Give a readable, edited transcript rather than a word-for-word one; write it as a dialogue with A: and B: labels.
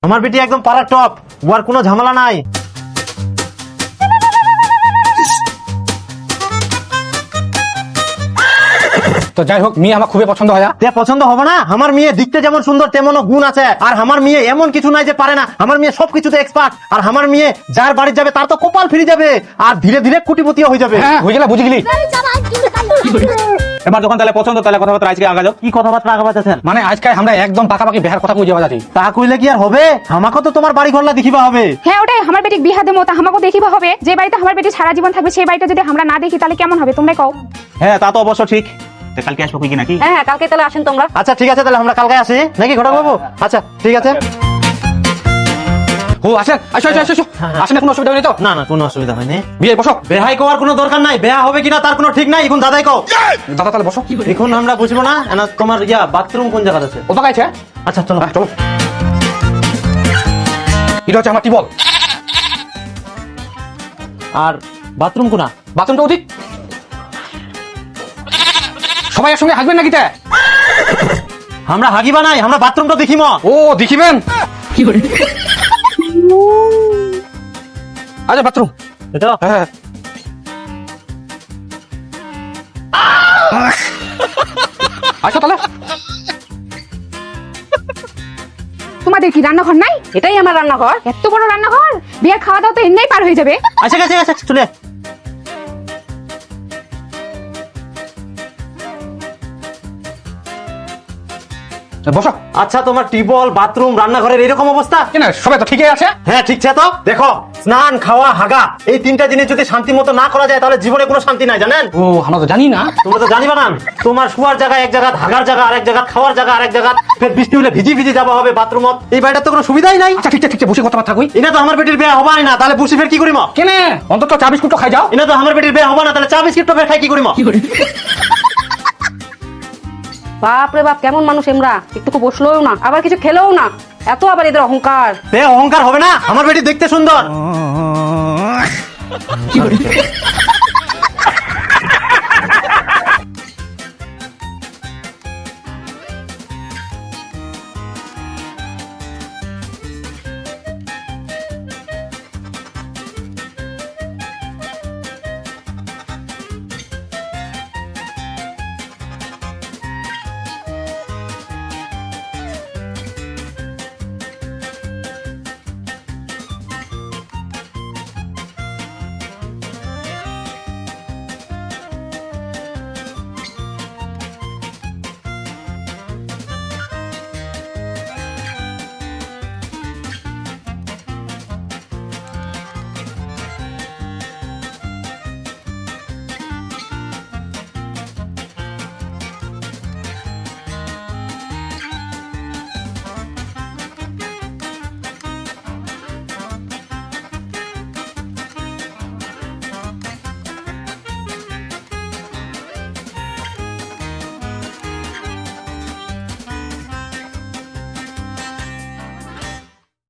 A: আমার বেটি একদম পাড়ার টপ, ওর কোনো ঝামেলা নাই।
B: তো যাই হোক, মেয়ে আমার খুবই পছন্দ হয়।
A: তে পছন্দ হবে না? আমার মেয়ে দেখতে যেমন সুন্দর তেমনও গুণ আছে। আর আমার মেয়ে এমন কিছু নাই যে পারে না, আমার মেয়ে সবকিছুতে এক্সপার্ট। আর আমার মেয়ে যার বাড়ি যাবে তার তো কপাল ফিরে যাবে, আর ধীরে ধীরে কোটিপতিও হয়ে যাবে।
B: হ্যাঁ, হয়ে গেলে বুঝে গেলি।
C: এবার যখন তাহলে পছন্দ, তাহলে কথাবার্তা আজকে আগা যাও।
A: কি কথাবার্তা আগাবাতেছেন?
B: মানে আজকে আমরা একদম পাকাপাকি বিহার কথা কই যাওয়া যাচ্ছি।
A: তা কইলে কি আর হবে? আমাকে তো তোমার বাড়ি ঘরলা দেখিবা হবে।
D: হ্যাঁ ওটাই, আমার বেটিক বিহা দেবো তা আমাকে দেখিবা হবে। যে বাড়িতে আমার বেটি সারা জীবন থাকবে সেই বাড়িটা যদি আমরা না দেখি তাহলে কেমন হবে তোমরা কও।
C: হ্যাঁ, তা তো অবশ্য ঠিক। তা কালকে আসবো কি নাকি?
E: হ্যাঁ কালকে তাহলে আসেন তোমরা।
A: আচ্ছা ঠিক আছে, তাহলে আমরা কালকে আসি নাকি ঘটক বাবু? আচ্ছা ঠিক আছে।
B: ও আসেন, আসো আসো আসো আসেন, কোনো অসুবিধা নেই তো?
A: না না, কোনো অসুবিধা হয়নি।
B: বিয়ে বসো।
A: বেহাই কোয়ার কোনো দরকার নাই, বেহা হবে কিনা তার কোনো ঠিক নাই। এখন দাদাই কও।
B: দাদা তাহলে বসো।
A: এখন আমরা বুঝবো না, না তোমার বাথরুম কোন জায়গাতে আছে?
B: ও পাকাইছে।
A: আচ্ছা চলো
B: চলো। এটা হচ্ছে আমার টিবল।
A: আর বাথরুম কোনা?
B: বাথরুমটা অধিক। সবাই একসঙ্গে হাসবেন নাকি? তা
A: আমরা হাগিবা নাই, আমরা বাথরুমটা দেখিম।
B: ও দেখিবেন। আচ্ছা বাথরুম। হ্যাঁ আচ্ছা তাহলে
D: তোমাদের কি রান্নাঘর নাই?
E: এটাই আমার রান্নাঘর।
D: এত বড় রান্নাঘর, বিয়ের খাওয়া দাওয়া তো এমনিই পার হয়ে যাবে।
A: আচ্ছা আচ্ছা আচ্ছা চলে আয়।
B: বসো।
A: আচ্ছা তোমার টিবল, বাথরুম, রান্নাঘরের এরকম অবস্থা?
B: কেন সবাই তো ঠিকই আছে।
A: হ্যাঁ ঠিক আছে। তো দেখো, স্নান, খাওয়া, হাগা, এই তিনটা জিনিস যদি শান্তি মতো না করা যায় তাহলে জীবনে কোনো শান্তি নাই, জানেন?
B: ও আমরা তো জানি না।
A: তোমরা তো জানিবা না, তোমার শোয়ার জায়গা এক জায়গা, হাগার জায়গা আরেক জায়গা, খাওয়ার জায়গা আরেক জায়গা, ফের বৃষ্টি হলে ভিজি ভিজি যাওয়া হবে বাথরুমত। এই বাড়িটার তো কোনো সুবিধাই নাই।
B: আচ্ছা ঠিক আছে ঠিক আছে, বসে কথাবার্তা কই।
A: এটা তো আমার বেটির বিয়ে হবাই না, তাহলে বসে ফের কি করিম?
B: কেনে অন্তত চা বিস্কুট তো খাই যাও।
A: এটা তো আমার বেটির বিয়ে হবা না, তাহলে চা বিস্কিট তো ফের খাই কি করিম?
E: বাপ রে বাপ, কেমন মানুষ এমরা! একটুকু বসলোও না, আবার কিছু খেলেও না, এত আবার এদের অহংকার।
A: অহংকার হবে না? আমার বেটি দেখতে সুন্দর।